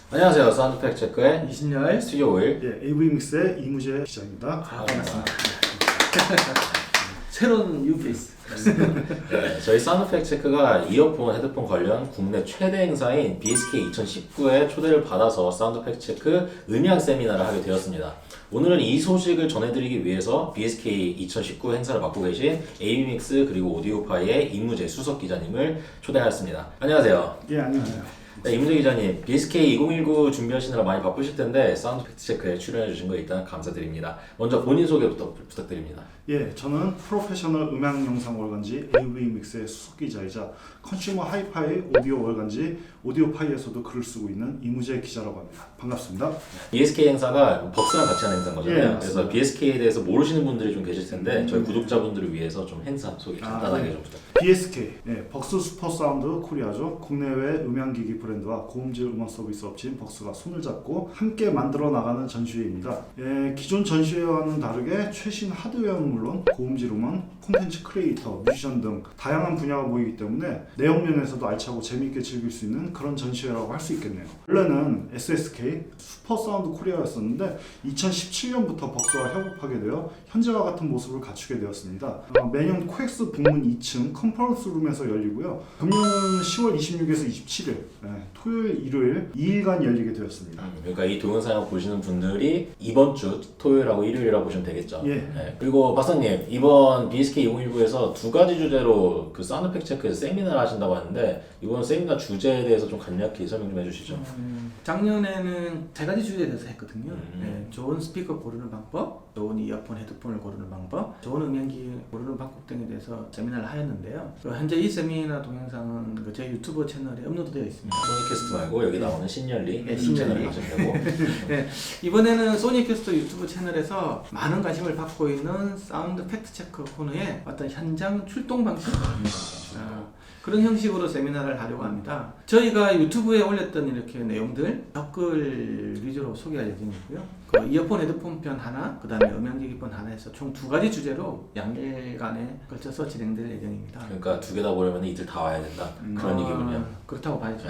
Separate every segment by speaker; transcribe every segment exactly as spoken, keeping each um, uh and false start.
Speaker 1: 안녕하세요. 사운드 팩트 체크의
Speaker 2: 이신열
Speaker 1: 스튜디오 오일
Speaker 2: 예, 에이브이믹스의 이무재 기자입니다.
Speaker 1: 아, 반갑습니다.
Speaker 3: 새로운 뉴페이스.
Speaker 1: 네, 저희 사운드 팩트 체크가 이어폰, 헤드폰 관련 국내 최대 행사인 비에스케이 이천십구에 초대를 받아서 사운드 팩트 체크 음향 세미나를 하게 되었습니다. 오늘은 이 소식을 전해드리기 위해서 비에스케이 이천십구 행사를 맡고 계신 에이브이믹스 그리고 오디오파이의 이무재 수석 기자님을 초대하였습니다. 안녕하세요.
Speaker 2: 예, 안녕하세요.
Speaker 1: 네, 이무재 기자님, 비에스케이 이천십구 준비하시느라 많이 바쁘실 텐데 사운드 팩트 체크에 출연해 주신 거 일단 감사드립니다. 먼저 본인 소개부터 부탁드립니다.
Speaker 2: 예, 저는 프로페셔널 음향 영상 월간지 에이브이믹스의 수석 기자이자 컨슈머 하이파이 오디오 월간지 오디오파이에서도 글을 쓰고 있는 이무재 기자라고 합니다. 반갑습니다.
Speaker 1: 비에스케이 행사가 벅스랑 같이 하는 행사인 거잖아요.
Speaker 2: 예,
Speaker 1: 그래서 비에스케이에 대해서 모르시는 분들이 좀 계실 텐데
Speaker 2: 음,
Speaker 1: 저희
Speaker 2: 네.
Speaker 1: 구독자분들을 위해서 좀 행사 소개 간단하게
Speaker 2: 아, 네.
Speaker 1: 좀 부탁드립니다.
Speaker 2: 비에스케이, 예, 벅스 슈퍼 사운드 코리아죠. 국내외 음향기기 브랜드와 고음질 음원 서비스 업체인 벅스가 손을 잡고 함께 만들어 나가는 전시회입니다. 예, 기존 전시회와는 다르게 최신 하드웨어는 물론 고음질 음원, 콘텐츠 크리에이터, 뮤지션 등 다양한 분야가 모이기 때문에 내용 면에서도 알차고 재미있게 즐길 수 있는 그런 전시회라고 할 수 있겠네요. 원래는 에스에스케이 슈퍼 사운드 코리아였었는데 이천십칠 년부터 벅스와 협업하게 되어 현재와 같은 모습을 갖추게 되었습니다. 어, 매년 코엑스 북문 이 층 컨퍼런스 룸에서 열리고요. 금년은 시월 이십육일에서 이십칠일, 예, 토요일, 일요일 이 일간 열리게 되었습니다.
Speaker 1: 음, 그러니까 이 동영상을 보시는 분들이 이번 주 토요일하고 일요일이라고 보시면 되겠죠.
Speaker 2: 예.
Speaker 1: 네. 그리고 박사님, 이번 비에스케이 이천십구에서 두 가지 주제로 그 사운드 팩트 체크에서 세미나를 하신다고 하는데 이번 세미나 주제에 대해서 좀 간략히 설명 좀 해주시죠.
Speaker 3: 음, 작년에는 세 가지 주제에 대해서 했거든요.
Speaker 1: 음.
Speaker 3: 네, 좋은 스피커 고르는 방법, 좋은 이어폰, 헤드폰을 고르는 방법, 좋은 음향기 고르는 방법 등에 대해서 세미나를 하였는데요. 그 현재 이 세미나 동영상은 그 저희 유튜브 채널에 업로드되어 있습니다.
Speaker 1: 소니캐스트 말고 여기 나오는 신열리
Speaker 3: 네,
Speaker 1: 유튜브 채널을
Speaker 3: 신열리.
Speaker 1: 가시면 되고
Speaker 3: 네, 이번에는 소니캐스트 유튜브 채널에서 많은 관심을 받고 있는 사운드 팩트 체크 코너의 어떤 현장 출동 방식 아, 그런 형식으로 세미나를 하려고 합니다. 저희가 유튜브에 올렸던 이렇게 내용들 댓글 위주로 소개할 예정이고요. 그 이어폰, 헤드폰 편 하나, 그 다음에 음향기기 편 하나 해서 총 두 가지 주제로 양일간에 걸쳐서 진행될 예정입니다.
Speaker 1: 그러니까 두 개 다 보려면 이틀 다 와야 된다 그런
Speaker 3: 어,
Speaker 1: 얘기군요.
Speaker 3: 그렇다고 봐야죠.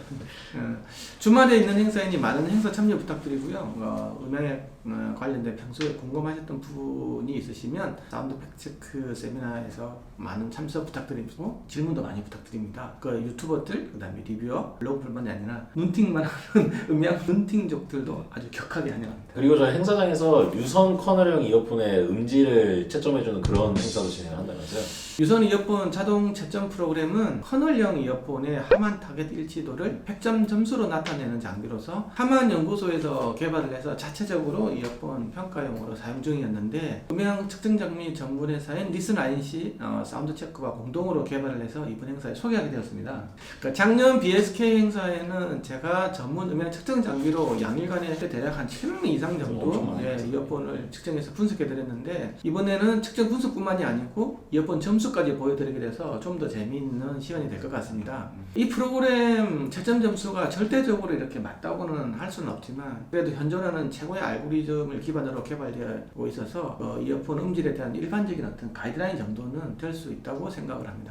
Speaker 3: 어, 주말에 있는 행사이니 많은 행사 참여 부탁드리고요. 어, 음향에 어, 관련된 평소에 궁금하셨던 부분이 있으시면 사운드 팩트체크 세미나에서 많은 참석 부탁드리고 질문도 많이 부탁드립니다. 그 유튜버들, 그 다음에 리뷰어, 블로그뿐만이 아니라 눈팅만 하는 음향 눈팅족들도 아주 격하게 환영합니다.
Speaker 1: 그리고 저희 행사장에서 유선 커널형 이어폰의 음질을 채점해주는 그런 행사도 진행을 한다면서요?
Speaker 3: 유선 이어폰 자동 채점 프로그램은 커널형 이어폰의 하만 타겟 일치도를 백 점 점수로 나타내는 장비로서 하만 연구소에서 개발을 해서 자체적으로 이어폰 평가용으로 사용 중이었는데 음향 측정 장비 전문 회사인 리슨 아이엔씨 어, 사운드 체크와 공동으로 개발을 해서 이번 행사에 소개하게 되었습니다. 그러니까 작년 비에스케이 행사에는 제가 전문 음향 측정 장비로 양일간에 대략 한 칠백 명 이상 정도
Speaker 1: 엄청 많이
Speaker 3: 예,
Speaker 1: 했어요.
Speaker 3: 이어폰을 측정해서 분석해 드렸는데 이번에는 측정 분석뿐만이 아니고 이어폰 점수까지 보여드리게 돼서 좀 더 재미있는 시간이 될 것 같습니다. 이 프로그램 채점 점수가 절대적으로 이렇게 맞다고는 할 수는 없지만 그래도 현존하는 최고의 알고리즘을 기반으로 개발되고 있어서 어, 이어폰 음질에 대한 일반적인 어떤 가이드라인 정도는 될 수 있다고 생각을 합니다.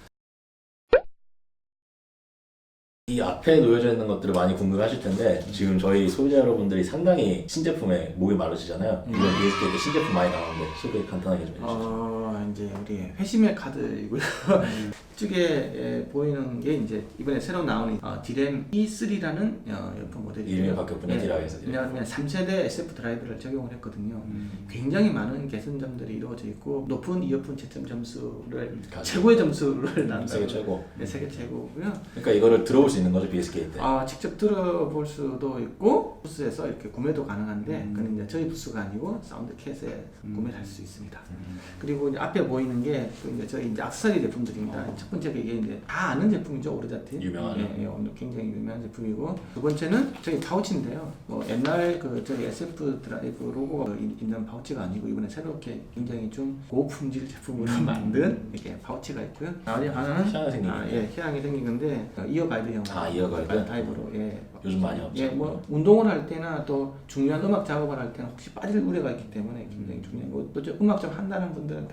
Speaker 1: 이 앞에 놓여져 있는 것들을 많이 궁금해하실 텐데 지금 저희 소비자 여러분들이 상당히 신제품에 목이 마르시잖아요. 이번 비에스케이 때 신제품 많이 나오는데 소개 간단하게 좀 해주시죠.
Speaker 3: 어, 이제 우리 회심의 카드이고요. 이쪽에 예, 보이는 게 이제 이번에 새로 나오는 어, 디램 이 쓰리라는 어, 이어폰 모델이고요.
Speaker 1: 이름이 바뀌었군요. 디램에서.
Speaker 3: 왜냐하면 삼 세대 에스에프 드라이브를 적용을 했거든요.
Speaker 2: 음.
Speaker 3: 굉장히 많은 개선점들이 이루어져 있고 높은 이어폰 채점 점수를
Speaker 1: 가지고.
Speaker 3: 최고의 점수를 난다.
Speaker 1: 세계 최고.
Speaker 3: 네, 세계 최고고요.
Speaker 1: 그러니까 이거를 들어볼 수 있는 거죠 비에스케이 때.
Speaker 3: 아, 직접 들어볼 수도 있고 부스에서 이렇게 구매도 가능한데
Speaker 2: 음.
Speaker 3: 그건 이제 저희 부스가 아니고 사운드캣에
Speaker 2: 음.
Speaker 3: 구매를 할 수 있습니다.
Speaker 1: 음.
Speaker 3: 그리고 이제 앞에 보이는 게 그 이제 저희 이제 액세서리 제품들입니다.
Speaker 1: 어.
Speaker 3: 첫 번째가 이게 이제 다 아는 제품이죠, 오르자티.
Speaker 1: 유명하죠.
Speaker 3: 예, 예, 오늘 굉장히 유명한 제품이고 두 번째는 저희 파우치인데요. 뭐 옛날 그 저희 에스에프 드라이브 로고가 있는 파우치가 아니고 이번에 새롭게 굉장히 좀 고품질 제품으로 만든 이게 파우치가 있고요. 나머지 하나는
Speaker 1: 희한하게 생긴
Speaker 3: 아,
Speaker 1: 게.
Speaker 3: 예, 희한하게 생긴 건데 어, 이어 가이드형.
Speaker 1: 아, 이어 가이드?
Speaker 3: 타입으로 예.
Speaker 1: 요즘 많이 없죠.
Speaker 3: 예, 뭐 운동을 할 때나 또 중요한 음악 작업을 할 때는 혹시 빠질 우려가 있기 때문에 굉장히 중요하고 또 저 음악 좀 한다는 분들은 다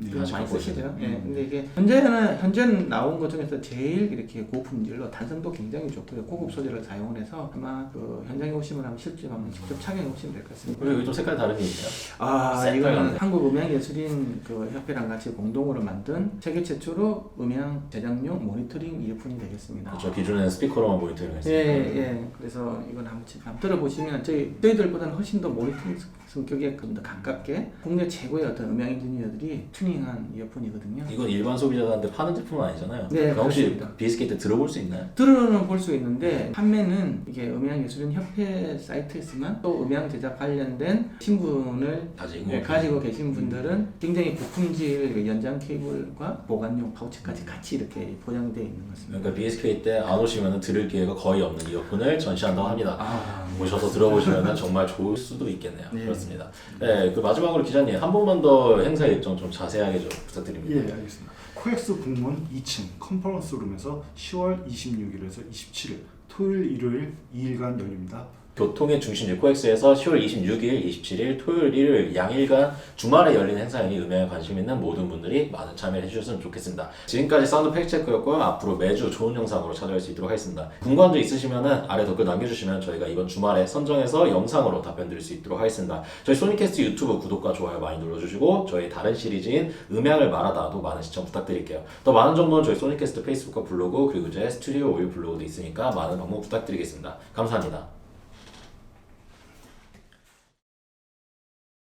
Speaker 3: 이거
Speaker 1: 아직
Speaker 3: 많이
Speaker 1: 갖고
Speaker 3: 쓰시죠.
Speaker 1: 있어요.
Speaker 3: 예.
Speaker 2: 음.
Speaker 3: 근데 이게 현재는 현재 나온 것 중에서 제일 이렇게 고품질로 단성도 굉장히 좋고요. 고급 소재를 사용을 해서 아마 그 현장에 오시면 한번 실제 한번 직접 착용해 보시면 될 것 같습니다.
Speaker 1: 그리고 여기 좀 색깔 다른 게 있네요.
Speaker 3: 아,
Speaker 1: 색깔
Speaker 3: 이거는
Speaker 1: 같네.
Speaker 3: 한국음향예술인 그 협회랑 같이 공동으로 만든 세계 최초로 음향 제작용 모니터링 이어폰이 되겠습니다.
Speaker 1: 그렇죠. 기존에는 스피커로만 모니터링
Speaker 3: 예,
Speaker 1: 했으니까.
Speaker 3: 예. 그래서 이건 한번, 한번 들어보시면 저희, 저희들보다는 훨씬 더 모니터링 성격에 좀 더 가깝게 국내 최고의 어떤 음향 엔지니어들이 튜닝한 이어폰이거든요.
Speaker 1: 이건 일반 소비자들한테 파는 제품은 아니잖아요.
Speaker 3: 네,
Speaker 1: 그럼 혹시
Speaker 3: 그렇습니다.
Speaker 1: 비에스케이 때 들어볼 수 있나요?
Speaker 3: 들어는 볼 수 있는데 판매는 이게 음향예술인 협회 사이트에서만 또 음향 제작 관련된 신분을
Speaker 1: 가지고
Speaker 3: 네, 가지고 계신 분들은 굉장히 고품질 연장 케이블과 보관용 파우치까지 같이 이렇게 포장되어 있는 것 같습니다.
Speaker 1: 그러니까 비에스케이 때 안 오시면 들을 기회가 거의 없는 이어폰을 전시한다고 합니다.
Speaker 3: 아,
Speaker 1: 오셔서 들어보시면 정말 좋을 수도 있겠네요.
Speaker 3: 네.
Speaker 1: 그렇습니다. 네, 그 마지막으로 기자님 한 번만 더 행사 일정 좀 자세하게 좀 부탁드립니다.
Speaker 2: 예, 알겠습니다. 코엑스 북문 이 층 컨퍼런스 룸에서 시월 이십육일에서 이십칠일 토요일, 일요일 이 일간 열립니다.
Speaker 1: 교통의 중심지 코엑스에서 시월 이십육일, 이십칠일 토요일, 일요일 양일간 주말에 열리는 행사이니 음향에 관심 있는 모든 분들이 많은 참여를 해주셨으면 좋겠습니다. 지금까지 사운드 팩트체크였고요. 앞으로 매주 좋은 영상으로 찾아올 수 있도록 하겠습니다. 궁금한 점 있으시면 아래 댓글 남겨주시면 저희가 이번 주말에 선정해서 영상으로 답변 드릴 수 있도록 하겠습니다. 저희 소니캐스트 유튜브 구독과 좋아요 많이 눌러주시고 저희 다른 시리즈인 음향을 말하다도 많은 시청 부탁드릴게요. 더 많은 정보는 저희 소니캐스트 페이스북과 블로그 그리고 제 스튜디오 오일 블로그도 있으니까 많은 방문 부탁드리겠습니다. 감사합니다.